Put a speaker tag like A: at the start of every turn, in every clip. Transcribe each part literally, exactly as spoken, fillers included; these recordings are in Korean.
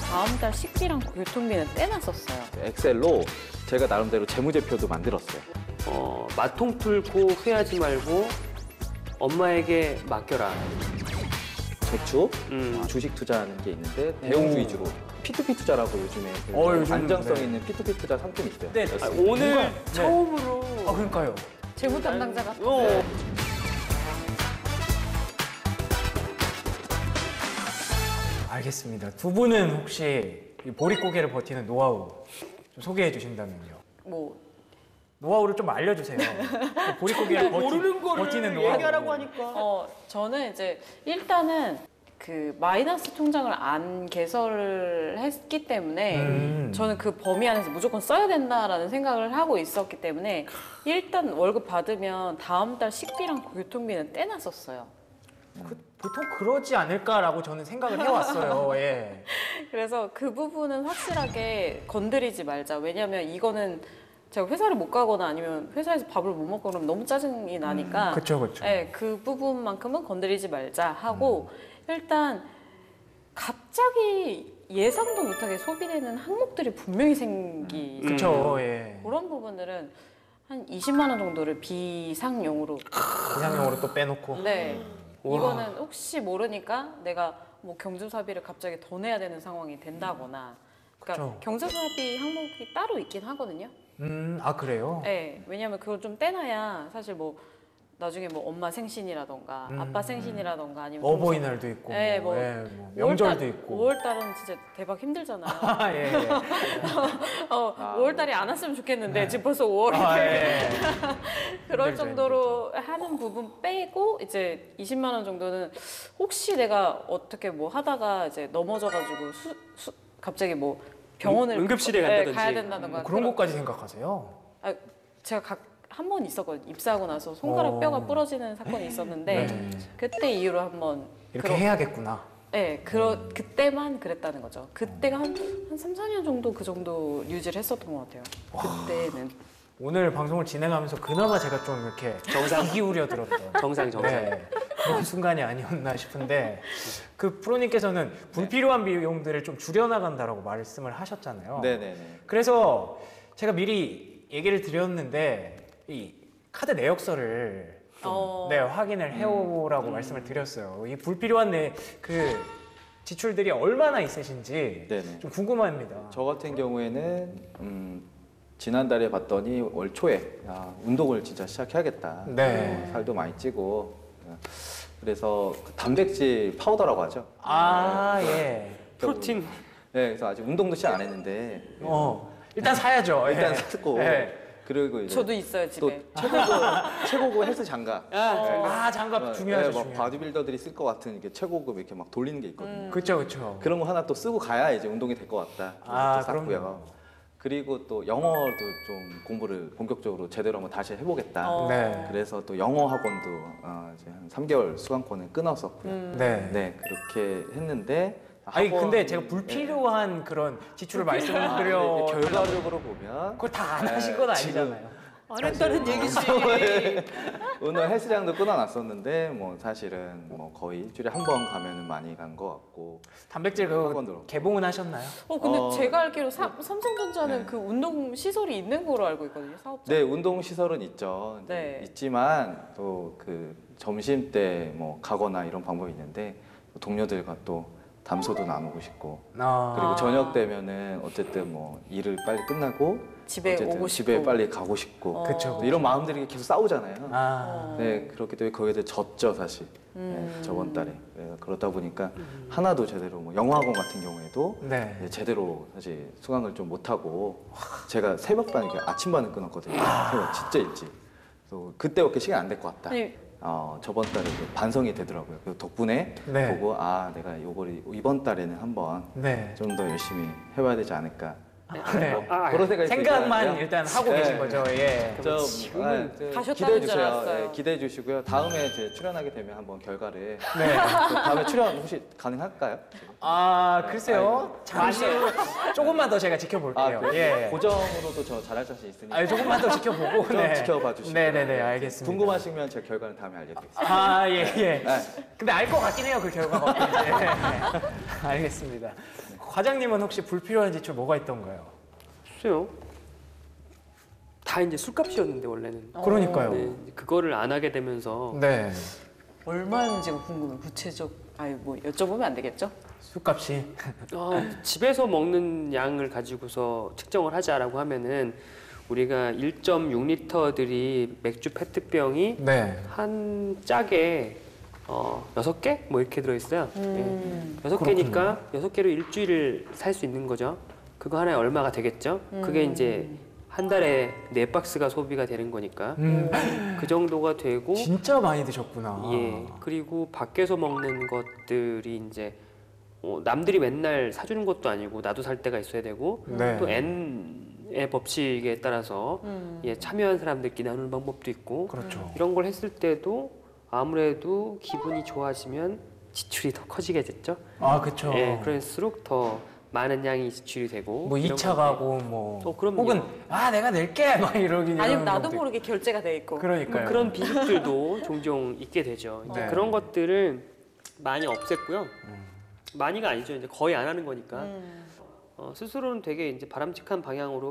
A: 다음 달 식비랑 교통비는 떼놨었어요.
B: 엑셀로 제가 나름대로 재무제표도 만들었어요.
C: 어, 마통 풀고 후회하지 말고 엄마에게 맡겨라.
B: 저축,
C: 음.
B: 주식 투자하는 게 있는데 대형주 위주로 피투피 투자라고 요즘에 그
D: 어, 요즘,
B: 안정성
D: 네.
B: 있는 피투피 투자 상품이 있어요.
D: 네.
C: 아, 오늘
D: 뭔가, 네.
C: 처음으로.
D: 아, 그러니까요.
A: 재무 담당자 같은.
C: 어.
D: 알겠습니다. 두 분은 혹시 이 보릿고개를 버티는 노하우 좀 소개해 주신다면요.
A: 뭐
D: 노하우를 좀 알려주세요. 보릿고개를 버티,
C: 모르는 거를
D: 버티는 노하우.
C: 얘기하라고 하니까.
A: 어, 저는 이제 일단은 그 마이너스 통장을 안 개설을 했기 때문에
D: 음.
A: 저는 그 범위 안에서 무조건 써야 된다라는 생각을 하고 있었기 때문에 일단 월급 받으면 다음 달 식비랑 교통비는 떼놨었어요.
D: 그, 보통 그러지 않을까라고 저는 생각을 해왔어요. 예.
A: 그래서 그 부분은 확실하게 건드리지 말자. 왜냐면 이거는 제가 회사를 못 가거나 아니면 회사에서 밥을 못 먹고 그러면 너무 짜증이 나니까
D: 그렇죠, 그렇죠.
A: 네, 그 부분만큼은 건드리지 말자 하고 음. 일단 갑자기 예상도 못하게 소비되는 항목들이 분명히 생기.
D: 그렇죠. 예.
A: 그런 부분들은 한 이십만 원 정도를 비상용으로.
D: 비상용으로 또 빼놓고.
A: 네.
D: 우와.
A: 이거는 혹시 모르니까 내가 뭐 경조사비를 갑자기 더 내야 되는 상황이 된다거나. 그러니까
D: 그쵸.
A: 경조사비 항목이 따로 있긴 하거든요.
D: 음, 아 그래요?
A: 네, 왜냐면 그걸 좀 떼놔야 사실 뭐 나중에 뭐 엄마 생신이라던가
D: 음,
A: 아빠 생신이라던가 아니면
D: 어버이날도 있고,
A: 네,
D: 뭐,
A: 뭐,
D: 예, 뭐 명절도
A: 오월달,
D: 있고.
A: 오월달은 진짜 대박 힘들잖아요.
D: 아, 예, 예.
A: 어,
B: 아,
A: 오월달이 안 왔으면 좋겠는데 지금 벌써 오월이
D: 아, 예.
A: 그럴
D: 힘들죠,
A: 정도로 하는 부분 빼고 이제 이십만 원 정도는 혹시 내가 어떻게 뭐 하다가 이제 넘어져가지고 수, 수, 갑자기 뭐 병원을
C: 응- 응급실에
A: 네,
C: 간다든지.
A: 가야 된다던가
D: 뭐 그런 것까지 생각하세요?
A: 아, 제가 각 한 번 있었거든요. 입사하고 나서 손가락
D: 어.
A: 뼈가 부러지는 사건이 있었는데
D: 네.
A: 그때 이후로 한번
D: 이렇게
A: 그러-
D: 해야겠구나.
A: 네, 그러, 그때만 그랬다는 거죠. 그때가 한, 한 삼, 사 년 정도 그 정도 유지를 했었던 것 같아요. 그때는.
D: 오늘 방송을 진행하면서 그나마 제가 좀 이렇게
C: 정상.
D: 귀 기울여 들었던
C: 정상, 정상.
D: 네, 그런 순간이 아니었나 싶은데 그 프로님께서는 불필요한 비용들을 좀 줄여나간다라고 말씀을 하셨잖아요.
B: 네네네.
D: 그래서 제가 미리 얘기를 드렸는데 이 카드 내역서를 좀,
A: 어.
D: 네, 확인을 해오라고 말씀을 드렸어요. 이 불필요한 내, 그 지출들이 얼마나 있으신지
B: 네네.
D: 좀 궁금합니다.
B: 저 같은 경우에는 음, 지난달에 봤더니 월 초에 아, 운동을 진짜 시작해야겠다.
D: 네.
B: 어, 살도 많이 찌고 어, 그래서 그 단백질 파우더라고 하죠.
D: 아, 예.
C: 프로틴.
B: 네, 그래서 아직 운동도 시작 안 했는데
D: 어, 일단 사야죠.
B: 일단
D: 예.
B: 샀고
D: 예.
B: 그리고 이제
A: 저도 있어요,
B: 또
A: 집에.
B: 최고급 최고급 헬스 장갑.
D: 아, 장갑
B: 어,
D: 중요하죠.
B: 네, 막
D: 중요하죠.
B: 바디빌더들이 쓸 것 같은 이렇게 최고급 이렇게 막 돌리는 게 있거든요.
D: 그렇죠, 그렇죠.
B: 그런 거 하나 또 쓰고 가야 이제 운동이 될 것 같다. 그래서
D: 아,
B: 또 샀고요.
D: 그럼요.
B: 그리고 또 영어도 좀 공부를 본격적으로 제대로 한번 다시 해보겠다.
A: 어.
D: 네.
B: 그래서 또 영어 학원도 어, 이제 한 삼 개월 수강권을 끊었었고요.
A: 음.
D: 네.
B: 네, 그렇게 했는데
D: 아니
B: 학원-
D: 근데 제가
B: 네.
D: 불필요한 그런 지출을
B: 아,
D: 말씀드려
B: 이게 결과적으로 보면
D: 그걸 다 안
B: 네,
D: 하신 건
B: 지금
D: 아니잖아요.
A: 안 했다는 얘기지.
B: 오늘 헬스장도 끊어놨었는데 뭐 사실은 뭐 거의 일주일에 한 번 가면은 많이 간 것 같고
D: 단백질 그
B: 학원으로.
D: 개봉은 하셨나요?
A: 어, 근데
B: 어.
A: 제가 알기로 사, 삼성전자는
B: 네.
A: 그 운동 시설이 있는 거로 알고 있거든요, 사업자.
B: 네, 운동 시설은 있죠.
A: 네.
B: 있지만 또 그 점심 때 뭐 가거나 이런 방법이 있는데 또 동료들과 또 담소도 나누고 싶고
D: 아.
B: 그리고
A: 아.
B: 저녁 되면은 어쨌든 뭐 일을 빨리 끝나고
A: 집에
B: 어쨌든
A: 오고
B: 집에
A: 싶고.
B: 빨리 가고 싶고
A: 어.
D: 그쵸.
B: 또 이런 마음들이 계속 싸우잖아요.
D: 아.
B: 네, 그렇기 때문에 거기에 대해 졌죠 사실.
A: 음.
B: 네, 저번 달에 네, 그러다 보니까 하나도 제대로 뭐 영어학원 같은 경우에도
D: 네.
B: 네, 제대로 사실 수강을 좀 못하고 제가 새벽반 이렇게 아침반을 끊었거든요. 새벽 진짜 일찍. 그래서 그때밖에 시간 안 될 것 같다.
A: 아니,
B: 어, 저번 달에 그 반성이 되더라고요. 그 덕분에
D: 네.
B: 보고 아 내가 요걸 이번 달에는 한번
D: 네.
B: 좀 더 열심히 해봐야 되지 않을까.
D: 네.
B: 뭐 그런 생각이
D: 생각만
B: 들잖아요.
D: 일단 하고
B: 네.
D: 계신 거죠. 예.
B: 저, 아, 저
A: 가셨다는
B: 기대해
A: 줄
B: 주세요.
A: 알았어요.
B: 네, 기대해 주시고요. 다음에 제 출연하게 되면 한번 결과를
D: 네.
B: 다음에 출연 혹시 가능할까요? 지금?
D: 아 글쎄요. 잠시 후 조금만 더 제가
B: 아,
D: 지켜볼게요.
B: 그
D: 예.
B: 고정으로도 저 잘할 자신 있으니까
D: 아, 조금만 더 지켜보고.
B: 좀 지켜봐 주시고.
D: 네네네, 알겠습니다.
B: 궁금하시면 제 결과는 다음에 알려드리겠습니다.
D: 아, 예, 예.
B: 네.
D: 근데 알 것 같긴 해요, 그 결과가. 네. 알겠습니다. 과장님은 혹시 불필요한 지출 뭐가 있던가요?
C: 글쎄요. 다 이제 술값이었는데 원래는.
D: 그러니까요.
C: 네, 이제 그거를 안 하게 되면서
D: 네.
A: 얼마인지가 궁금해. 구체적. 아니 뭐 여쭤보면 안 되겠죠?
D: 술값이.
C: 아, 집에서 먹는 양을 가지고서 측정을 하자라고 하면은 우리가 일 점 육 리터들이 맥주 페트병이
D: 네.
C: 한 짝에 어, 여섯 개? 뭐 이렇게 들어있어요.
A: 음.
C: 예. 여섯 개니까 여섯 개로 일주일을 살 수 있는 거죠. 그거 하나에 얼마가 되겠죠? 그게
A: 음.
C: 이제 한 달에 네 박스가 소비가 되는 거니까
D: 음,
C: 그 정도가 되고
D: 진짜 많이 드셨구나.
C: 예. 그리고 밖에서 먹는 것들이 이제 어, 남들이 맨날 사주는 것도 아니고 나도 살 때가 있어야 되고
D: 네.
C: 또 N의 법칙에 따라서
A: 음.
C: 예, 참여한 사람들끼리 나누는 방법도 있고
D: 그렇죠.
C: 이런 걸 했을 때도 아무래도 기분이 좋아지면 지출이 더 커지게 됐죠.
D: 아, 그렇죠.
C: 예, 그럴수록 더 많은 양이 지출이 되고
D: 뭐 이 차
C: 이런
D: 가고 뭐
C: 어, 그럼요.
D: 혹은 아 내가 낼게 막 이러긴
A: 아니면
D: 이러는
A: 나도
D: 경우도
A: 모르게 결제가 돼 있고.
C: 뭐
D: 그러니까요.
C: 그런 비극들도 종종 있게 되죠. 이제
D: 네.
C: 그런 것들을 많이 없앴고요.
D: 음.
C: 많이가 아니죠. 이제 거의 안 하는 거니까
A: 음.
C: 어, 스스로는 되게 이제 바람직한 방향으로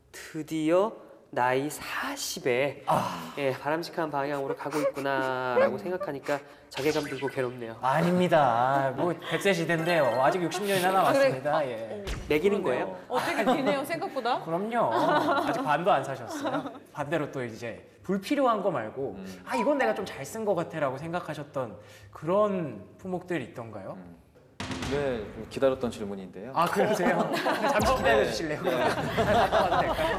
C: 드디어 나이 사십에
D: 아.
C: 예, 바람직한 방향으로 가고 있구나라고 생각하니까 자괴감 들고 괴롭네요.
D: 아닙니다. 뭐 백 세 시대인데요. 아직 육십 년이나 남았습니다. 예.
C: 매기는 거예요?
A: 어, 되게 기네요 생각보다.
D: 그럼요. 아직 반도 안 사셨어요. 반대로 또 이제 불필요한 거 말고
B: 음.
D: 아 이건 내가 좀 잘 쓴 거 같아라고 생각하셨던 그런 품목들이 있던가요?
B: 네, 좀 기다렸던 질문인데요.
D: 아 그러세요? 잠시 기다려 주실래요? 바꿔도 될까요?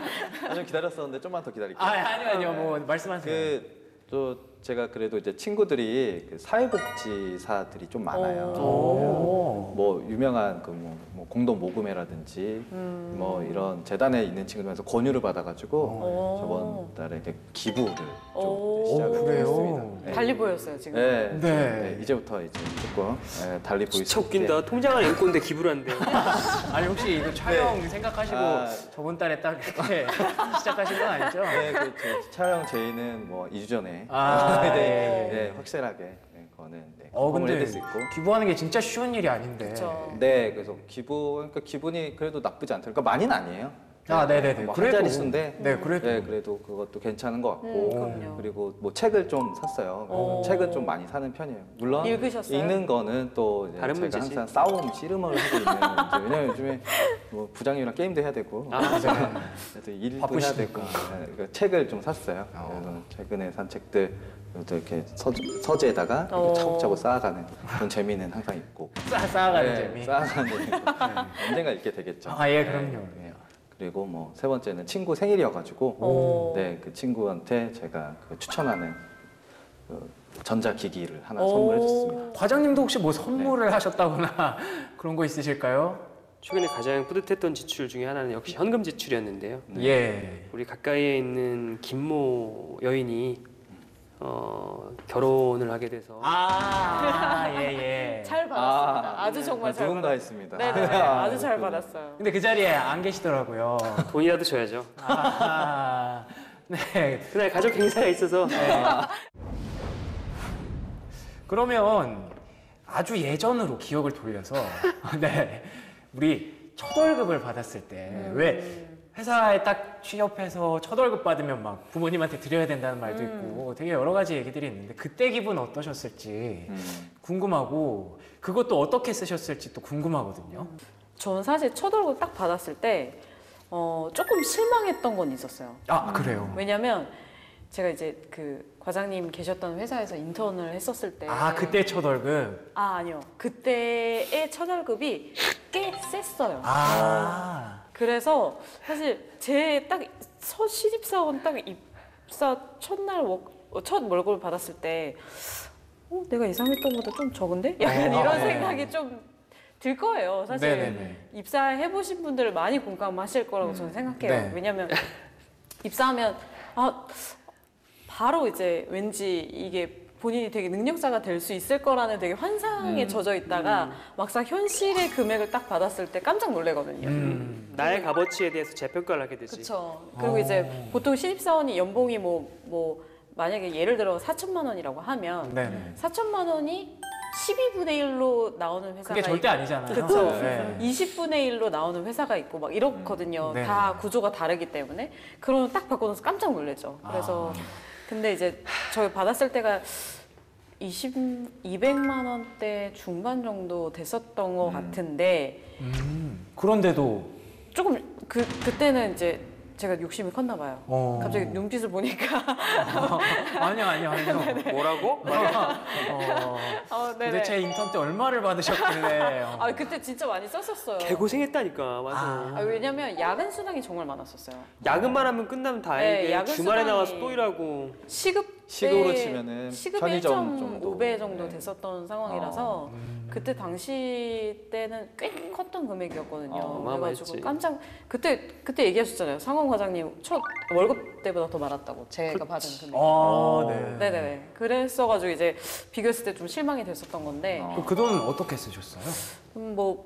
B: 좀 기다렸었는데 좀만 더 기다릴게요.
D: 아 아니요 아니요 뭐 말씀하세요.
B: 그, 또 제가 그래도 이제 친구들이 그 사회복지사들이 좀 많아요.
D: 오.
B: 뭐 유명한 그 뭐, 뭐 공동 모금회라든지
A: 음.
B: 뭐 이런 재단에 있는 친구들에서 권유를 받아가지고
A: 오.
B: 저번 달에 이제 기부를
A: 오.
B: 좀 시작을
D: 오, 그래요?
B: 했습니다. 네.
A: 달리 보였어요 지금.
B: 네,
D: 네.
B: 네, 이제부터 이제 조금 네, 달리 보일
C: 진짜
B: 수 있게.
C: 웃긴다. 통장을 앵꼬인데 기부를 한대요.
D: 아니 혹시 이거 촬영 생각하시고
B: 아.
D: 저번 달에 딱 이렇게 시작하신 건 아니죠?
B: 네, 그, 저 촬영 제의는 뭐 이 주 전에
D: 아,
B: 네,
D: 예, 예.
B: 네, 확실하게 네, 그거는 네,
D: 어
B: 공을
D: 근데
B: 해드릴 수 있고.
D: 기부하는 게 진짜 쉬운 일이 아닌데.
A: 그렇죠.
B: 네, 그래서 기부, 그러니까 기분이 그래도 나쁘지 않더라고요. 그러니까 많이는 아니에요.
D: 아, 네네네.
B: 뭐
D: 그래도-
B: 한 자릿수인데,
D: 네, 그래도.
B: 네, 그래도 그것도 괜찮은 것 같고,
A: 음, 그럼요.
B: 그리고 뭐 책을 좀 샀어요.
A: 오.
B: 책은 좀 많이 사는 편이에요. 물론
A: 읽으셨어요?
B: 읽는 거는 또 이제
C: 다른
B: 제가
C: 문제지.
B: 항상 싸움, 씨름을 하고 있는 문제. 왜냐면 요즘에 뭐 부장님이랑 게임도 해야 되고,
C: 아,
B: 그래도 일도 해야
D: 바쁘시니까.
B: 되고, 네, 그러니까 책을 좀 샀어요. 그래서 최근에 산 책들 또 이렇게 서, 서재에다가 이렇게
A: 오.
B: 차곡차곡 쌓아가는 그런 재미는 항상 있고.
D: 쌓, 쌓아가는
B: 네,
D: 재미.
B: 쌓아가는 재미. 언젠가 읽게 되겠죠.
D: 아, 예, 그럼요.
B: 네. 그리고 뭐 세 번째는 친구 생일이어가지고
A: 오.
B: 네, 그 친구한테 제가 그 추천하는 그 전자기기를 하나
A: 오.
B: 선물해줬습니다.
D: 과장님도 혹시 뭐 선물을 하셨다거나 그런 거 있으실까요?
C: 최근에 가장 뿌듯했던 지출 중에 하나는 역시 현금 지출이었는데요.
D: 예.
C: 우리 가까이에 있는 김모 여인이 어, 결혼을 하게 돼서
D: 아, 예, 예.
A: 잘 받았습니다. 아, 주 정말
B: 아,
A: 잘
B: 누군가
A: 받았어요.
B: 했습니다.
A: 네네 아주 잘
B: 그렇군요.
A: 받았어요.
D: 근데 그 자리에 안 계시더라고요.
C: 돈이라도 줘야죠.
D: 아, 네.
C: 그날 가족 행사가 있어서
D: 그러면 아주 예전으로 기억을 돌려서 네. 우리 첫 월급을 받았을 때 왜 회사에 딱 취업해서 첫 월급 받으면 막 부모님한테 드려야 된다는 말도 있고 되게 여러 가지 얘기들이 있는데 그때 기분 어떠셨을지
B: 음.
D: 궁금하고 그것도 어떻게 쓰셨을지 또 궁금하거든요.
A: 저는 사실 첫 월급 딱 받았을 때 어, 조금 실망했던 건 있었어요.
D: 아 그래요?
A: 왜냐면 제가 이제 그 과장님 계셨던 회사에서 인턴을 했었을 때
D: 아 그때 첫 월급?
A: 아 아니요 그때의 첫 월급이 꽤 셌어요.
D: 아
A: 그래서 사실 제 딱 첫 신입사원 딱 입사 첫날 워- 어, 첫 월급을 받았을 때 어, 내가 예상했던 것보다 좀 적은데? 약간
D: 어.
A: 이런 생각이 좀 들 거예요. 사실
D: 네네네.
A: 입사해 보신 분들 많이 공감하실 거라고 저는 생각해요.
D: 네.
A: 왜냐면 입사하면 아 바로 이제 왠지 이게 본인이 되게 능력자가 될 수 있을 거라는 되게 환상에
B: 음.
A: 젖어 있다가
C: 음.
A: 막상 현실의 금액을 딱 받았을 때 깜짝 놀래거든요.
D: 음.
C: 나의 값어치에 대해서 재평가를 하게 되지.
A: 그렇죠. 그리고
D: 어.
A: 이제 보통 신입사원이 연봉이 뭐 뭐 만약에 예를 들어 사천만 원이라고 하면
D: 네네.
A: 사천만 원이 십이분의 일로 나오는 회사가
D: 그게 절대
A: 있고,
D: 아니잖아요.
A: 그쵸.
D: 네.
A: 이십분의 일로 나오는 회사가 있고 막 이렇거든요.
D: 네.
A: 다 구조가 다르기 때문에. 그러면 딱 바꿔서 깜짝 놀래죠. 그래서
D: 아.
A: 근데 이제 저희 받았을 때가 이십, 이백만 원대 중반 정도 됐었던 것
B: 음.
A: 같은데
D: 음. 그런데도
A: 조금 그 그때는 이제 제가 욕심이 컸나 봐요.
D: 어.
A: 갑자기 눈빛을 보니까
D: 아니요 아니요 아니요.
C: 뭐라고?
D: 어,
A: 어, 네네.
D: 도대체 인턴 때 얼마를 받으셨길래? 어.
A: 아 그때 진짜 많이 썼었어요.
C: 개고생했다니까. 맞아.
D: 아.
A: 아, 왜냐면 야근 수당이 정말 많았었어요.
C: 야근만 하면 끝나면 다행이게
A: 네, 야근
C: 주말에
A: 수당이-
C: 나와서 또 일하고.
A: 시급
B: 시급으로
A: 때
B: 치면은
A: 시급
B: 편의점
A: 일.오 배
B: 정도.
A: 정도
B: 네.
A: 됐었던 상황이라서
B: 어.
D: 음.
A: 그때 당시 때는 꽤 컸던 금액이었거든요.
C: 어,
A: 그래가지고
C: 어마어마했지.
A: 깜짝 그때 그때 얘기하셨잖아요. 상원 과장님 첫 월급 때보다 더 많았다고 제가 받은 금액.
D: 아, 네.
A: 네네네. 그랬어가지고 이제 비교했을 때 좀 실망이 됐었던 건데
B: 어.
D: 그 돈 어떻게 쓰셨어요?
A: 음, 뭐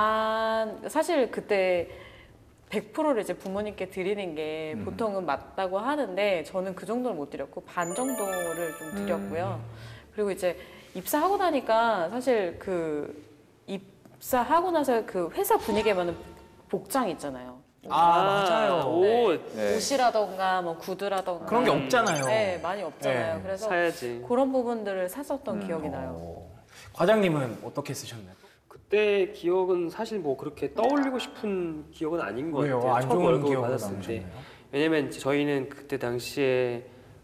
A: 반 사실 그때 백 퍼센트를 이제 부모님께 드리는 게
B: 음.
A: 보통은 맞다고 하는데 저는 그 정도는 못 드렸고 반 정도를 좀 드렸고요. 그리고 이제 입사하고 나니까 사실 그 입사하고 나서 그 회사 분위기에 맞는 복장 있잖아요.
D: 아, 맞아요.
C: 옷
B: 네.
A: 옷이라던가 뭐 구두라던가
D: 그런 게 없잖아요.
A: 네, 많이 없잖아요.
D: 네.
A: 그래서
C: 사야지.
A: 그런 부분들을 샀었던
B: 음.
A: 기억이 나요.
D: 어. 과장님은 어떻게 쓰셨나요?
C: 그때 기억은 사실 뭐 그렇게 떠올리고 싶은 기억은 아닌 것
D: 왜요?
C: 같아요.
D: 안
C: 첫
D: 좋은
C: 월급을
D: 기억으로
C: 받았을 때.
D: 남으셨나요?
C: 왜냐면 저희는 그때 당시에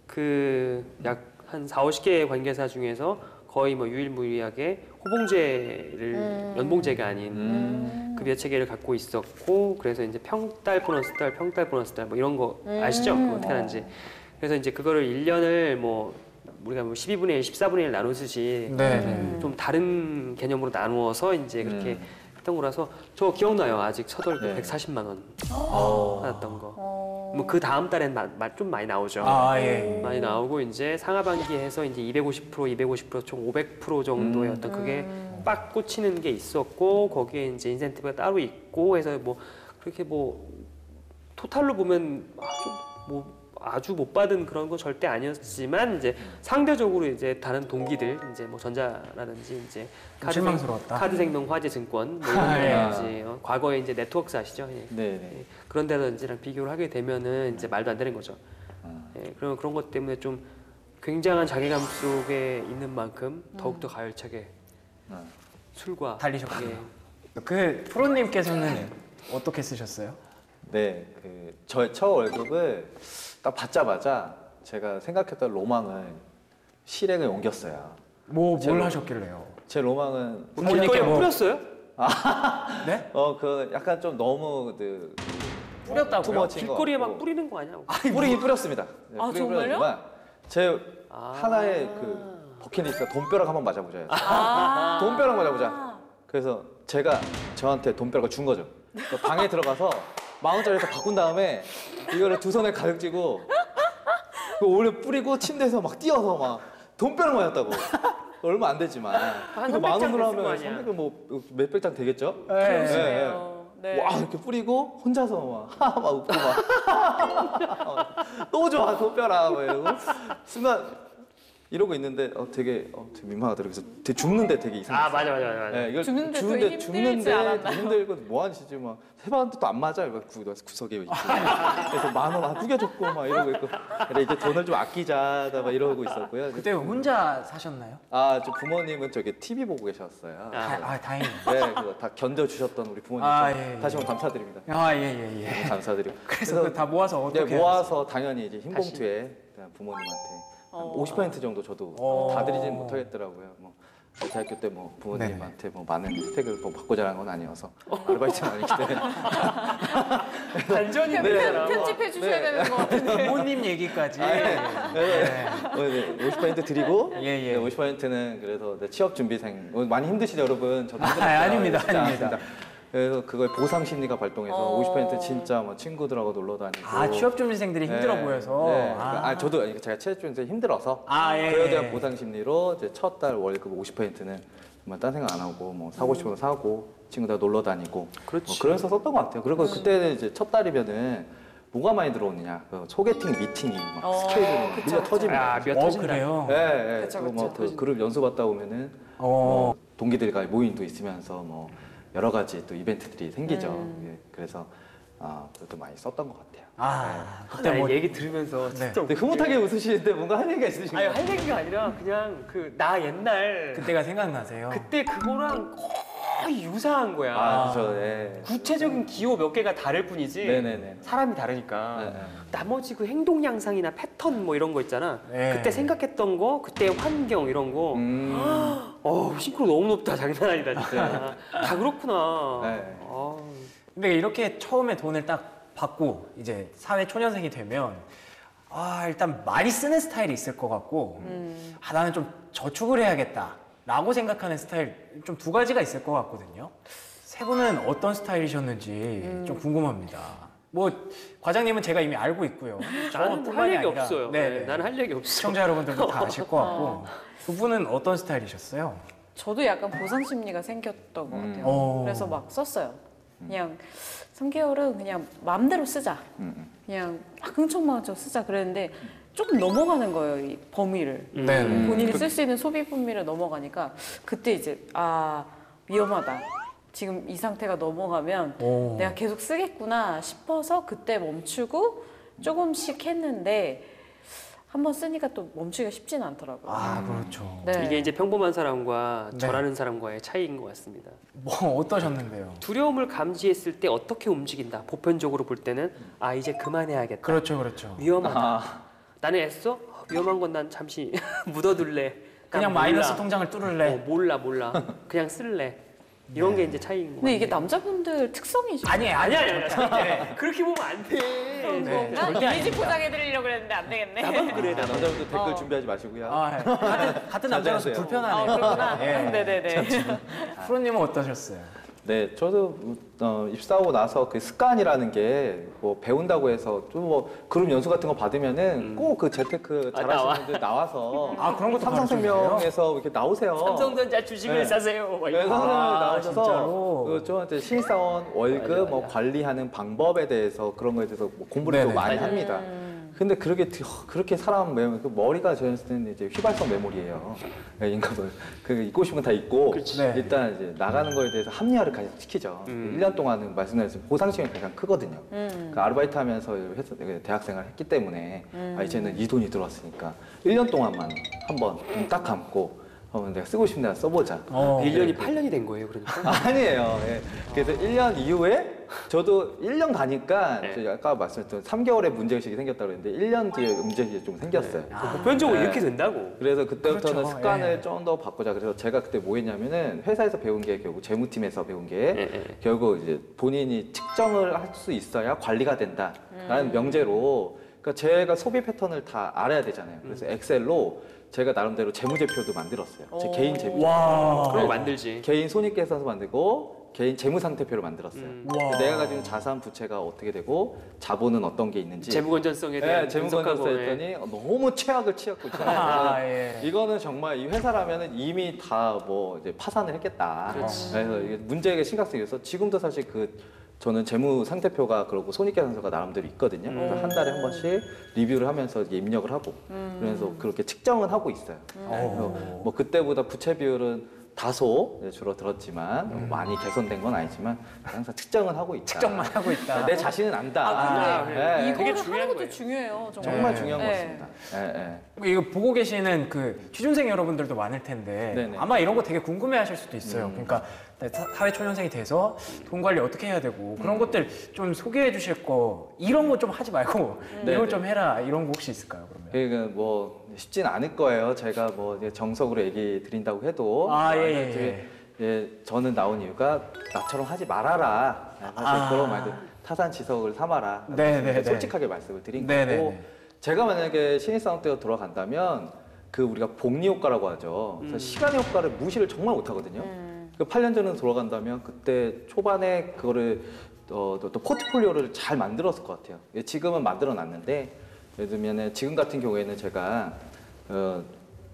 C: 그 약 한 사오십 개의 관계사 중에서 거의 뭐 유일무이하게 호봉제를
A: 음.
C: 연봉제가 아닌
B: 음.
C: 급여 체계를 갖고 있었고 그래서 이제 평달 보너스 달, 평달 보너스 달 뭐 이런 거
A: 음.
C: 아시죠? 그거 어떻게 하는지. 그래서 이제 그거를 일 년을 뭐 우리가 뭐 십이분의 일, 십사분의 일 나누듯이
D: 네.
A: 음.
C: 좀 다른 개념으로 나누어서 이제 그렇게
B: 음.
C: 했던 거라서 저 기억나요. 아직 첫 월급
B: 네.
C: 백사십만 원
B: 어.
C: 받았던 거.
A: 어...
C: 뭐 그 다음 달엔 마, 마, 좀 많이 나오죠.
D: 아, 예.
C: 많이 나오고 이제 상하반기에서 이제 이백오십 퍼센트, 이백오십 퍼센트 총 오백 퍼센트 정도의
B: 음.
C: 어떤 그게
A: 음.
C: 빡 꽂히는 게 있었고 거기에 이제 인센티브가 따로 있고 해서 뭐 그렇게 뭐 토탈로 보면 아주 뭐 아주 못 받은 그런 건 절대 아니었지만 이제 상대적으로 이제 다른 동기들 이제 뭐 전자라든지 이제
D: 좀 실망스러웠다.
C: 카드생명, 화재증권 뭐
D: 아, 예.
C: 이런 거라든지 어, 과거에 이제 네트워크스 아시죠? 예.
B: 네네.
C: 예, 그런 데든지랑 비교를 하게 되면은 이제 말도 안 되는 거죠.
B: 음.
C: 예, 그런 그런 것 때문에 좀 굉장한 자괴감 속에 있는 만큼 더욱더 가열차게
B: 음.
C: 술과
D: 달리셨군요.
C: 예,
D: 그 프로님께서는 어떻게 쓰셨어요?
B: 네, 그 저의 첫 월급을 딱 받자마자 제가 생각했던 로망을 실행에 옮겼어요.
D: 뭐 뭘
B: 제가-
D: 하셨길래요?
B: 제 로망은
D: 부모님께
C: 길거리에
D: 뭐-
C: 뿌렸어요?
D: 네?
B: 어 그 약간 좀 너무 그
D: 뿌렸다고요?
B: 투머치인 것
C: 길거리에
B: 같고.
C: 막 뿌리는 거 아니야?
B: 뿌리긴 뿌렸습니다. 네,
A: 아,
B: 뿌리긴
A: 정말요?
B: 뿌렸지만 제
C: 아.
B: 하나의 그 버킷리스트가 돈벼락 한번 맞아보자.
A: 아~
B: 돈벼락 맞아보자. 그래서 제가 저한테 돈벼락을 준 거죠. 그래서 방에 들어가서 만 원짜리에서 바꾼 다음에 이거를 두 손에 가득 쥐고 그 올려 뿌리고 침대에서 막 뛰어서 막 돈벼락 맞았다고. 얼마 안 되지만
C: 한
B: 이거 만
C: 삼백 장
B: 원으로
C: 됐을 거
B: 하면
C: 아니야.
B: 삼백 뭐 몇백 장 되겠죠?
D: 네.
A: 그러시네요. 네.
B: 와 이렇게 뿌리고 혼자서 막 하하 막 웃고 막 너무 좋아 돈벼락 막 이러고 순간 이러고 있는데 어 되게 어 되게 민망하더라고요. 그래서 되게 죽는데 되게 이상해.
C: 아 맞아 맞아 맞아. 맞아.
B: 네, 이걸
A: 죽는데 더
B: 죽는데
A: 힘들지
B: 죽는데
A: 않았나요?
B: 더 힘들고 뭐 하시지 막 해봤는데 또 안 맞아요. 막 구, 구석에 있고. 그래서 만원 구겨줬고 막 이러고 있고. 그래 이제 돈을 좀 아끼자 막 이러고 있었고요.
D: 그때 혼자 사셨나요?
B: 아, 저 부모님은 저기 티비 보고 계셨어요.
C: 아.
D: 아, 아 다행이네.
B: 네, 그거 다 견뎌 주셨던 우리 부모님
D: 아,
B: 좀
D: 예, 예.
B: 다시 한번 감사드립니다.
D: 아, 예, 예, 예.
B: 너무 감사드리고.
D: 그래서 그거 다 모아서
B: 네,
D: 어떻게
B: 모아서 당연히 이제 흰 봉투에 부모님한테 한
A: 어.
B: 오십 퍼센트 정도 저도
D: 어.
B: 다 드리지는 못하겠더라고요. 뭐 대학교 때 뭐 부모님한테 뭐 많은 혜택을 뭐 받고 자란 건 아니어서 아르바이트는 아니기 때문에
C: 반전이
A: 편-
C: 되잖아.
A: 편집해 주셔야
B: 네.
A: 되는 것 같은데.
D: 부모님 얘기까지.
B: 아, 예.
D: 네.
B: 어, 네, 오십 퍼센트 드리고
D: 예, 예.
B: 네, 오십 퍼센트는 그래서 네, 취업 준비생 어, 많이 힘드시죠 여러분. 저도
D: 아,
B: 힘들었어요.
D: 아닙니다,
B: 쉽지
D: 아닙니다.
B: 않았습니다. 그래서 그걸 보상 심리가 발동해서
A: 어.
B: 오십 퍼센트 진짜 뭐 친구들하고 놀러 다니고.
D: 아 취업 준비생들이 힘들어
B: 네,
D: 보여서.
B: 네.
D: 아,
B: 아, 저도 제가 취업 준비생 힘들어서
D: 아, 예,
B: 그에
D: 예.
B: 대한 보상 심리로 이제 첫 달 월급 오십 퍼센트는 정말 딴 생각 안 하고 뭐 사고 싶은 거 사고 친구들 놀러 다니고
C: 그렇지.
B: 뭐 그래서 썼던 것 같아요. 그리고 그때는 이제 첫 달이면은 뭐가 많이 들어오느냐 그 소개팅 미팅이 막
A: 어,
B: 스케줄이
A: 그쵸,
B: 밀려
A: 그쵸.
B: 터집니다.
C: 아, 몇
D: 어
C: 터진다.
D: 그래요.
B: 예, 예.
A: 그쵸,
B: 그리고 뭐
A: 그쵸.
B: 그 그룹 연수 받다 보면은
D: 어.
B: 뭐 동기들과 모임도 있으면서 뭐 여러 가지 또 이벤트들이 생기죠.
A: 음.
B: 예, 그래서 아, 그것도 많이 썼던 것 같아요.
D: 아
C: 그때
D: 그때 뭐
C: 얘기 들으면서
D: 네.
C: 진짜
B: 근데 흐뭇하게 웃으시는데 뭔가 할 얘기가 있으신가요?
C: 아니 할 얘기가 아니라 그냥 그 나 옛날
D: 그때가 생각나세요.
C: 그때 그거랑 거의 유사한 거야.
B: 아, 그렇죠. 예.
C: 구체적인 기호 몇 개가 다를 뿐이지
B: 네네네.
C: 사람이 다르니까
B: 네, 네.
C: 나머지 그 행동 양상이나 패턴 뭐 이런 거 있잖아.
D: 네.
C: 그때 생각했던 거, 그때 환경 이런 거.
B: 음.
C: 어 싱크로 너무 높다. 장난 아니다 진짜. 다 그렇구나.
B: 네.
C: 아,
D: 근데 이렇게 처음에 돈을 딱 받고 이제 사회 초년생이 되면 아 일단 많이 쓰는 스타일이 있을 것 같고
A: 음.
D: 아 나는 좀 저축을 해야겠다라고 생각하는 스타일 좀 두 가지가 있을 것 같거든요. 세 분은 어떤 스타일이셨는지
A: 음.
D: 좀 궁금합니다. 뭐 과장님은 제가 이미 알고 있고요.
C: 나는
D: 저뿐만이
C: 할 얘기
D: 아니라,
C: 없어요.
D: 네,
C: 네,
D: 네.
C: 나는 할 얘기 없어.
D: 시청자 여러분들도 다 아실 것 같고 두 분은 어떤 스타일이셨어요?
A: 저도 약간 보상 심리가 생겼던 것
B: 음.
A: 같아요.
D: 어.
A: 그래서 막 썼어요. 그냥 삼 개월은 그냥 마음대로 쓰자.
B: 음.
A: 그냥 막 흥청망청 쓰자 그랬는데 조금 넘어가는 거예요, 이 범위를.
C: 음.
D: 네, 네.
A: 본인이 쓸 수 있는 소비 범위를 넘어가니까 그때 이제 아 위험하다. 지금 이 상태가 넘어가면
D: 오.
A: 내가 계속 쓰겠구나 싶어서 그때 멈추고 조금씩 했는데 한번 쓰니까 또 멈추기가 쉽지는 않더라고요.
D: 아 그렇죠.
A: 네.
C: 이게 이제 평범한 사람과
D: 네.
C: 저라는 사람과의 차이인 것 같습니다.
D: 뭐 어떠셨는데요?
C: 두려움을 감지했을 때 어떻게 움직인다. 보편적으로 볼 때는 아 이제 그만해야겠다.
D: 그렇죠, 그렇죠.
C: 위험하다.
B: 아,
C: 나는 애써? 위험한 건 난 잠시 묻어둘래.
D: 그냥
C: 몰라.
D: 마이너스 통장을 뚫을래.
C: 어, 몰라 몰라. 그냥 쓸래. 이런 게 이제 차이인 거
A: 근데 이게
C: 같아요.
A: 남자분들 특성이죠.
D: 아니 아니
C: 아니야 아니야. 아니야. 그렇게 보면 안 돼.
D: 네,
A: 난
D: 절대
A: 이미지 포장해드리려고 그랬는데 안 되겠네.
C: 나만 그래 나만.
B: 남자분들 댓글
A: 어.
B: 준비하지 마시고요.
D: 아, 예. 같은, 같은 남자로서
B: 자제하세요.
D: 불편하네요.
A: 아, 그렇구나.
D: 예.
A: 네네네.
D: 프로님은 어떠셨어요?
B: 네, 저도 어, 입사하고 나서 그 습관이라는 게 뭐 배운다고 해서 좀 뭐 그룹 연수 같은 거 받으면은 꼭 그 재테크
C: 아,
B: 잘하시는
C: 나와.
B: 분들 나와서
D: 아 그런 것도
B: 삼성생명에서 이렇게 나오세요.
C: 삼성전자 주식을
B: 네.
C: 사세요. 막
B: 네,
C: 이런 거.
B: 선생님이
D: 아,
B: 나오셔서
D: 진짜로?
B: 그 저한테 신입사원 월급
C: 맞아, 맞아.
B: 뭐 관리하는 방법에 대해서 그런 거에 대해서 뭐 공부를
D: 네네.
B: 또 많이
C: 맞아.
B: 합니다. 근데 그렇게 드- 그렇게 사람 메모 그 머리가 저는 이제 휘발성 메모리예요. 네, 인간은 그 잊고 싶은 건 다 잊고
D: 네.
B: 일단 이제 나가는 거에 대해서 합리화를 가장 시키죠.
C: 음.
B: 일 년 동안은 말씀드렸지만 보상 시간이 가장 크거든요.
A: 음.
B: 그 아르바이트 하면서 회사 대학생활 했기 때문에 아, 이제는 이 돈이 들어왔으니까 일 년 동안만 한번 눈딱 감고 어, 내가 쓰고 싶은 데나 써보자.
D: 어.
C: 일 년이 팔 년이 된 거예요, 그러니까.
B: 아니에요. 예. 그래서 일 년 이후에 저도 일 년 가니까
C: 네.
B: 저 아까 말씀드렸던 삼 개월에 문제의식이 생겼다고 그랬는데 일 년 뒤에 문제의식이 좀 생겼어요.
D: 아.
C: 보편적으로
B: 네.
C: 이렇게 된다고.
B: 그래서 그때부터는
D: 그렇죠.
B: 습관을
D: 예.
B: 좀 더 바꾸자. 그래서 제가 그때 뭐 했냐면은 회사에서 배운 게 결국 재무팀에서 배운 게
C: 예, 예.
B: 결국 이제 본인이 측정을 할 수 있어야 관리가 된다라는 명제로 그러니까 제가 소비 패턴을 다 알아야 되잖아요. 그래서 엑셀로 제가 나름대로 재무제표도 만들었어요. 제
A: 오.
B: 개인 재무.
D: 와.
C: 그런 거 만들지.
B: 개인 손익계산서 만들고 개인 재무상태표를 만들었어요.
C: 음.
D: 와.
B: 내가 가지고 있는 자산 부채가 어떻게 되고 자본은 어떤 게 있는지
C: 재무 건전성에
B: 네,
C: 대한
B: 재무건설서
C: 분석하고,
B: 했더니 너무 최악을 취하고 있잖아요.
D: 아, 예.
B: 이거는 정말 이 회사라면은 이미 다 뭐 이제 파산을 했겠다.
C: 그렇지.
B: 그래서 이게 문제의 심각성이 있어서 지금도 사실 그 저는 재무 상태표가 그러고 손익계산서가 나름대로 있거든요.
C: 음.
B: 그래서 한 달에 한 번씩 리뷰를 하면서 이게 입력을 하고 그래서 그렇게 측정은 하고 있어요.
D: 어.
B: 그래서 뭐 그때보다 부채 비율은 다소 이제 줄어들었지만
D: 음.
B: 많이 개선된 건 아니지만 항상 측정은 하고 있다.
D: 측정만 하고 있다.
B: 내 자신은 안다.
C: 아,
A: 근데
C: 그래.
B: 네.
C: 되게
A: 이거를
C: 중요한
A: 하는 것도
C: 거예요.
A: 중요해요. 정말.
B: 정말
D: 네.
B: 중요한 것
A: 네.
B: 같습니다. 예, 예.
D: 이거 보고 계시는 그 취준생 여러분들도 많을 텐데
B: 네네.
D: 아마 이런 거 되게 궁금해하실 수도 있어요.
B: 음.
D: 그러니까 사- 사회 초년생이 돼서 돈 관리 어떻게 해야 되고 그런 것들 좀 소개해 주실 거 이런 거 좀 하지 말고 이런
B: 네네.
D: 거 좀 해라 이런 거 혹시 있을까요? 그러면?
B: 그러니까 뭐 쉽진 않을 거예요. 제가 뭐 이제 정석으로 얘기 드린다고 해도
D: 아, 예, 예,
B: 만약에
D: 예.
B: 예, 저는 나온 이유가 나처럼 하지 말아라. 사실
D: 아.
B: 그런 말들 타산지석을 삼아라.
D: 네, 네, 네.
B: 솔직하게 말씀을 드린
D: 네, 네,
B: 거고
D: 네.
B: 제가 만약에 신입사원 때 돌아간다면 그 우리가 복리 효과라고 하죠. 그래서 시간의 효과를 무시를 정말 못하거든요. 그 팔 년 전으로 돌아간다면 그때 초반에 그거를 어, 또, 또 포트폴리오를 잘 만들었을 것 같아요. 지금은 만들어 놨는데 예를 들면 지금 같은 경우에는 제가 어,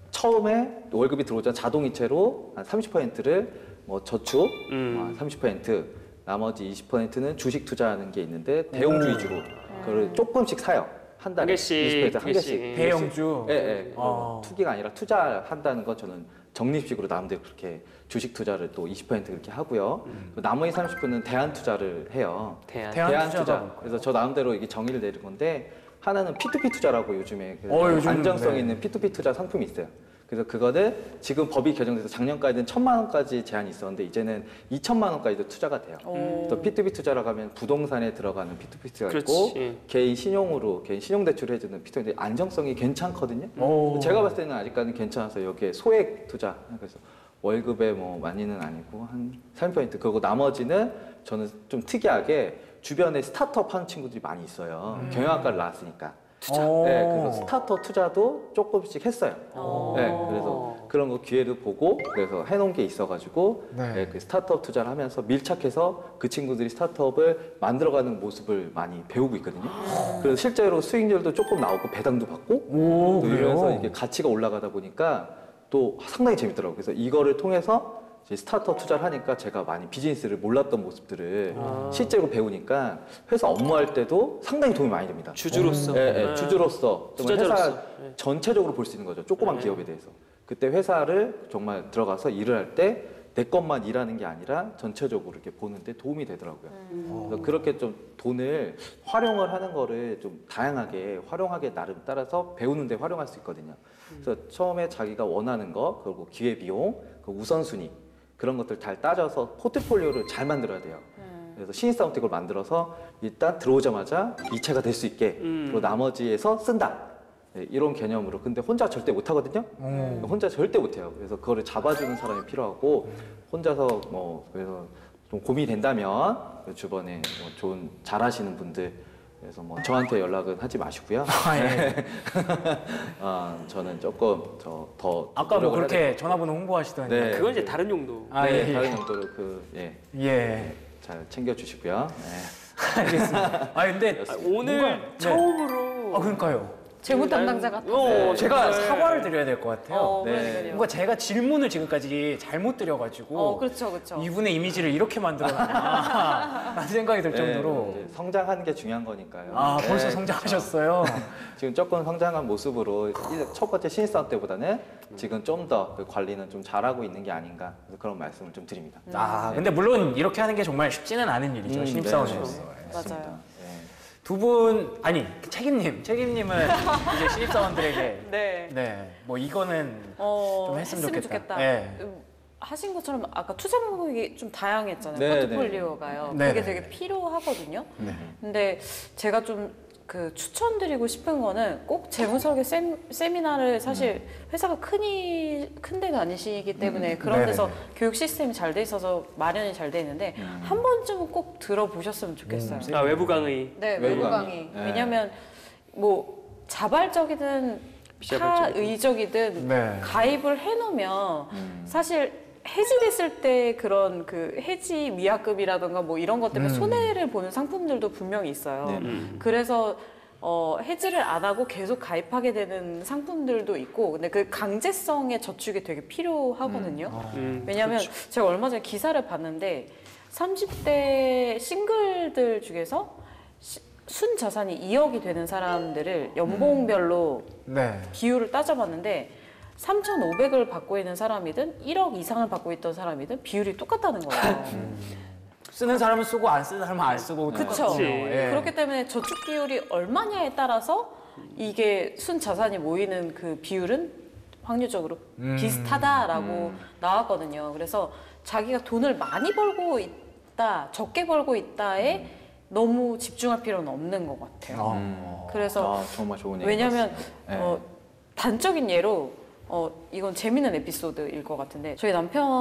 B: 처음에 월급이 들어오자 자동이체로 한 삼십 퍼센트를 뭐 저축
C: 음.
B: 어, 삼십 퍼센트 나머지 이십 퍼센트는 주식 투자하는 게 있는데 대형주 위주로 그걸 조금씩 사요. 한 달에
C: 한 개씩,
B: 이십 퍼센트 한
C: 두 개씩.
B: 개씩.
D: 대형주.
B: 예, 예.
D: 어.
B: 투기가 아니라 투자한다는 건 저는 적립식으로 나름대로 그렇게 주식 투자를 또 이십 퍼센트 그렇게 하고요. 그 나머지 삼십 퍼센트는 대안 투자를 해요.
C: 대안.
D: 대안
B: 대안
D: 투자가
B: 투자.
D: 뭘까요?
B: 그래서 저 나름대로 이게 정의를 내린 건데 하나는 피투피 투자라고 요즘에 그
D: 어, 요즘,
B: 안정성
D: 네.
B: 있는 피투피 투자 상품이 있어요. 그래서 그거를 지금 법이 개정돼서 작년까지는 천만 원까지 제한이 있었는데 이제는 이천만 원까지도 투자가 돼요.
A: 오.
B: 또 피투피 투자라고 하면 부동산에 들어가는 피투피 투자가
C: 그렇지.
B: 있고 개인 신용으로 개인 신용 대출을 해주는 피투피 안정성이 괜찮거든요.
D: 오.
B: 제가 봤을 때는 아직까지는 괜찮아서 여기에 소액 투자 그래서 월급에 뭐 많이는 아니고 한 삼 퍼센트 그리고 나머지는 저는 좀 특이하게 주변에 스타트업 하는 친구들이 많이 있어요.
D: 음.
B: 경영학과를 나왔으니까.
D: 투자.
B: 네, 그래서 스타트업 투자도 조금씩 했어요.
A: 어.
B: 네, 그래서 그런 거 기회를 보고 그래서 해놓은 게 있어가지고
D: 네.
B: 네, 그 스타트업 투자를 하면서 밀착해서 그 친구들이 스타트업을 만들어가는 모습을 많이 배우고 있거든요. 그래서 실제로 수익률도 조금 나오고 배당도 받고
D: 오,
B: 또 이러면서
D: 그래요?
B: 이게 가치가 올라가다 보니까 또 상당히 재밌더라고요. 그래서 이거를 통해서 이제 스타트업 투자를 하니까 제가 많이 비즈니스를 몰랐던 모습들을
C: 아.
B: 실제로 배우니까 회사 업무할 때도 상당히 도움이 많이 됩니다.
C: 주주로서.
B: 예, 예,
C: 네.
B: 주주로서 정말 회사
C: 투자자로서. 네.
B: 전체적으로 볼 수 있는 거죠. 조그만
C: 네.
B: 기업에 대해서. 그때 회사를 정말 들어가서 일을 할 때 내 것만 일하는 게 아니라 전체적으로 이렇게 보는데 도움이 되더라고요. 그래서 그렇게 좀 돈을 활용을 하는 거를 좀 다양하게 활용하게 나름 따라서 배우는데 활용할 수 있거든요. 그래서 처음에 자기가 원하는 거 그리고 기회 비용, 그 우선순위 그런 것들 잘 따져서 포트폴리오를 잘 만들어야 돼요. 그래서 신입사원 때 그걸 만들어서 일단 들어오자마자 이체가 될 수 있게
C: 음.
B: 그리고 나머지에서 쓴다. 네, 이런 개념으로 근데 혼자 절대 못 하거든요.
D: 음.
B: 혼자 절대 못 해요. 그래서 그거를 잡아주는 사람이 필요하고 혼자서 뭐 그래서 좀 고민이 된다면 그 주변에 뭐 좋은 잘하시는 분들 그래서 뭐 저한테 연락은 하지 마시고요.
D: 아, 예.
B: 아, 저는 조금 저더
D: 아까 뭐 그렇게 전화번호 홍보하시더니.
B: 네.
C: 그건 이제 다른 용도.
D: 아,
B: 네,
D: 예.
B: 다른 용도로 그 예.
D: 예.
B: 잘 챙겨주시고요. 네.
D: 알겠습니다. 아 근데
C: 아, 오늘
D: 뭔가- 네.
C: 처음으로.
D: 아 그러니까요.
A: 재무 담당자 같아.
C: 어,
B: 네.
D: 제가
C: 정말.
D: 사과를 드려야 될 것 같아요.
A: 어,
B: 네.
A: 그러니까요.
D: 뭔가 제가 질문을 지금까지 잘못 드려가지고
A: 어, 그렇죠, 그렇죠.
D: 이분의 이미지를 이렇게 만들어놨나 라는 생각이 들 정도로.
B: 네, 이제 성장하는 게 중요한 거니까요.
D: 아
B: 네,
D: 벌써
B: 그렇죠.
D: 성장하셨어요.
B: 지금 조금 성장한 모습으로 일- 첫 번째 신입사원 때보다는 지금 좀 더 그 관리는 좀 잘하고 있는 게 아닌가 그래서 그런 말씀을 좀 드립니다.
D: 아 근데 물론 이렇게 하는 게 정말 쉽지는 않은 일이죠.
B: 음,
D: 신입사원으로서.
B: 네,
D: 예.
B: 맞습니다.
A: 맞아요.
B: 네.
D: 두 분 아니 책임님, 책임님은 이제 신입사원들에게
A: 네.
D: 네 뭐 이거는
A: 어,
D: 좀 했으면 좋겠다.
A: 네.
D: 네.
A: 음, 하신 것처럼 아까 투자 방법이 좀 다양했잖아요.
B: 네,
A: 포트폴리오가요.
D: 네.
A: 그게
D: 네,
A: 되게
D: 네.
A: 필요하거든요.
D: 네.
A: 근데 제가 좀 그 추천드리고 싶은 거는 꼭 재무설계 세, 세미나를 사실 회사가 크니 큰 데가 아니시기 때문에 그런
D: 네,
A: 데서
D: 네,
A: 교육 시스템이 잘 돼 있어서 마련이 잘 돼 있는데
B: 음.
A: 한 번쯤은 꼭 들어보셨으면 좋겠어요.
D: 음,
C: 아, 외부 강의.
A: 네,
B: 외부
A: 외부
B: 강의.
A: 강의.
B: 네.
A: 왜냐하면 뭐 자발적이든
C: 비자발적이든.
A: 타의적이든
D: 네.
A: 가입을 해놓으면
B: 음.
A: 사실 해지됐을 때 그런 그 해지 미약금이라든가 뭐 이런 것 때문에
D: 음.
A: 손해를 보는 상품들도 분명히 있어요.
B: 네.
C: 음.
A: 그래서 어, 해지를 안 하고 계속 가입하게 되는 상품들도 있고, 근데 그 강제성의 저축이 되게 필요하거든요.
C: 음,
A: 왜냐하면
C: 그렇죠.
A: 제가 얼마 전에 기사를 봤는데 삼십 대 싱글들 중에서 시- 순 자산이 이억이 되는 사람들을 연봉별로
D: 네.
A: 비율을 따져봤는데 삼천오백을 받고 있는 사람이든 일억 이상을 받고 있던 사람이든 비율이 똑같다는 거예요.
D: 쓰는 사람은 쓰고 안 쓰는 사람은 안 쓰고
A: 그쵸.
D: 똑같거든요. 예.
A: 그렇기 때문에 저축 비율이 얼마냐에 따라서 이게 순 자산이 모이는 그 비율은 확률적으로
D: 음.
A: 비슷하다라고
B: 음.
A: 나왔거든요. 그래서 자기가 돈을 많이 벌고 있다, 적게 벌고 있다에 너무 집중할 필요는 없는 것 같아요.
D: 어.
B: 음.
A: 그래서
B: 아, 정말 좋은 얘기
A: 왜냐하면
B: 네.
A: 어, 단적인 예로 어, 이건 재밌는 에피소드일 것 같은데 저희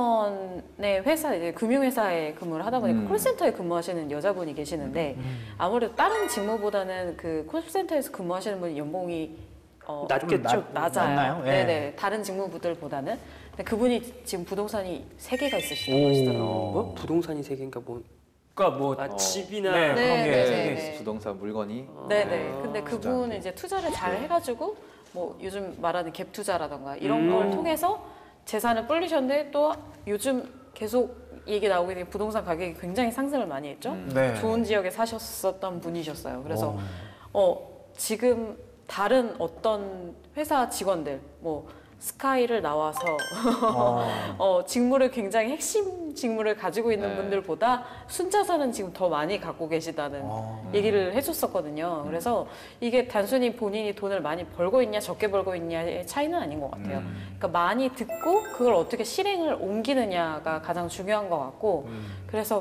A: 남편의 회사 이제 금융회사에 근무를 하다 보니까
B: 음.
A: 콜센터에 근무하시는 여자분이 계시는데 아무래도 다른 직무보다는 그 콜센터에서 근무하시는 분이 연봉이 어,
C: 낮겠죠.
A: 좀 낮아요.
D: 낮나요? 예.
A: 네네 다른 직무부들보다는 근데 그분이 지금 부동산이 세 개가 있으시다고
D: 오.
A: 하시더라고요.
C: 뭐 부동산이 세 개인가 뭐
D: 그러니까 뭐
C: 아,
B: 어.
C: 집이나
D: 네,
A: 네,
D: 그런 게
A: 네,
D: 세
A: 네,
D: 개
A: 네.
D: 있어요.
B: 부동산 물건이.
A: 네네.
C: 아,
A: 근데
B: 투자.
A: 그분은 이제 투자를 잘 해가지고 뭐 요즘 말하는 갭 투자라던가 이런
C: 음.
A: 걸 통해서 재산을 불리셨는데 또 요즘 계속 얘기 나오게 된 부동산 가격이 굉장히 상승을 많이 했죠.
B: 음.
D: 네.
A: 좋은 지역에 사셨었던 분이셨어요. 그래서
D: 오.
A: 어 지금 다른 어떤 회사 직원들 뭐 스카이를 나와서
D: 어.
A: 어, 직무를 굉장히 핵심 직무를 가지고 있는
B: 네.
A: 분들보다 순자산은 지금 더 많이 갖고 계시다는
D: 어.
A: 얘기를 해줬었거든요. 그래서 이게 단순히 본인이 돈을 많이 벌고 있냐 적게 벌고 있냐의 차이는 아닌 것 같아요.
D: 음.
A: 그러니까 많이 듣고 그걸 어떻게 실행을 옮기느냐가 가장 중요한 것 같고
D: 음.
A: 그래서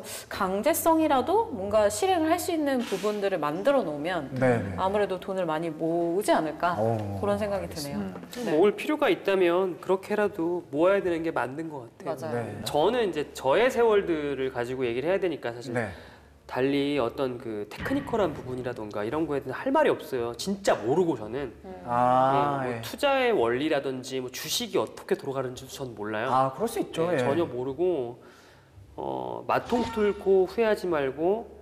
A: 강제성이라도 뭔가 실행을 할 수 있는 부분들을 만들어 놓으면
D: 네.
A: 아무래도 돈을 많이 모으지 않을까
D: 오.
A: 그런 생각이 드네요.
B: 음.
A: 네.
C: 모을 필요가 있다면 그렇게라도 모아야 되는 게 맞는 것 같아요.
A: 맞아요.
D: 네.
C: 저는 이제 저의 세월들을 가지고 얘기를 해야 되니까 사실
D: 네.
C: 달리 어떤 그 테크니컬한 부분이라던가 이런 거에 대해서 할 말이 없어요. 진짜 모르고 저는
D: 아,
C: 예, 뭐
D: 예.
C: 투자의 원리라든지 뭐 주식이 어떻게 돌아가는지도 전 몰라요.
D: 아, 그럴 수 있죠.
C: 예,
D: 예.
C: 전혀 모르고 어, 마통 뚫고 후회하지 말고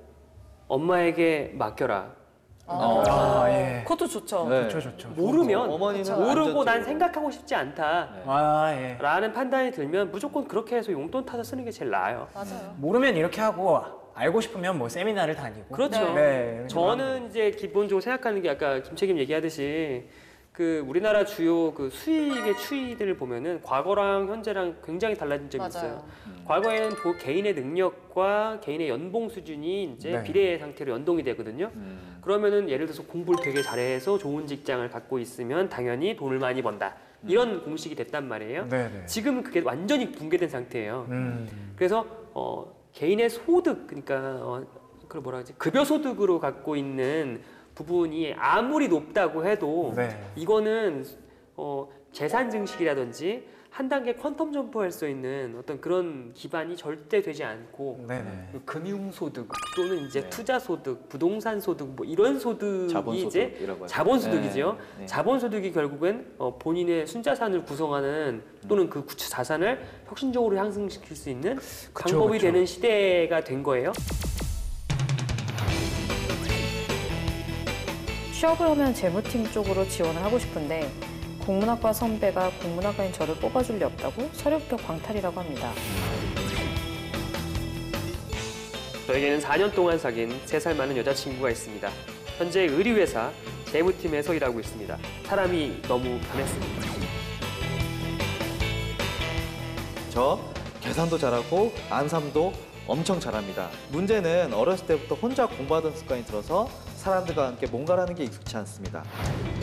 C: 엄마에게 맡겨라.
D: 아, 예.
A: 그것도 좋죠.
B: 네.
D: 좋죠, 좋죠.
C: 모르면
B: 어머니는
A: 그쵸.
C: 모르고
B: 안전적으로.
C: 난 생각하고 싶지 않다.
B: 네.
D: 아, 예.
C: 라는 판단이 들면 무조건 그렇게 해서 용돈 타서 쓰는 게 제일 나아요.
A: 맞아요.
D: 모르면 이렇게 하고 알고 싶으면 뭐 세미나를 다니고.
C: 그렇죠.
D: 네.
C: 저는 이제 기본적으로 생각하는 게 아까 김책임 얘기하듯이 그 우리나라 주요 그 수익의 추이들을 보면은 과거랑 현재랑 굉장히 달라진 점이 있어요.
A: 맞아요.
C: 과거에는 도 개인의 능력과 개인의 연봉 수준이 이제
D: 네.
C: 비례 상태로 연동이 되거든요.
B: 음.
C: 그러면은 예를 들어서 공부를 되게 잘해서 좋은 직장을 갖고 있으면 당연히 돈을 많이 번다. 이런 공식이 됐단 말이에요.
D: 네, 네.
C: 지금은 그게 완전히 붕괴된 상태예요.
D: 음.
C: 그래서 어, 개인의 소득, 그러니까 어, 그걸 뭐라 하지? 급여 소득으로 갖고 있는 부분이 아무리 높다고 해도
D: 네.
C: 이거는 어, 재산 증식이라든지 한 단계 퀀텀 점프할 수 있는 어떤 그런 기반이 절대 되지 않고
D: 네, 네.
C: 그 금융소득 또는 이제
B: 네.
C: 투자소득, 부동산소득 뭐 이런 소득이
B: 자본소득
C: 이제
B: 이라고 하죠.
C: 자본소득이죠.
B: 네. 네.
C: 자본소득이 결국엔 어, 본인의 순자산을 구성하는 또는 그 구체 자산을 혁신적으로 향상시킬 수 있는
D: 그쵸,
C: 방법이
D: 그쵸.
C: 되는 시대가 된 거예요.
A: 취업을 하면 재무팀 쪽으로 지원을 하고 싶은데 국문학과 선배가 국문학과인 저를 뽑아줄 리 없다고 서류 합격 광탈이라고 합니다.
C: 저에게는 사 년 동안 사귄 세 살 많은 여자친구가 있습니다. 현재 의류회사 재무팀에서 일하고 있습니다. 사람이 너무 변했습니다.
B: 저 계산도 잘하고 안삼도 엄청 잘합니다. 문제는 어렸을 때부터 혼자 공부하던 습관이 들어서 사람들과 함께 뭔가를 하는 게 익숙치 않습니다.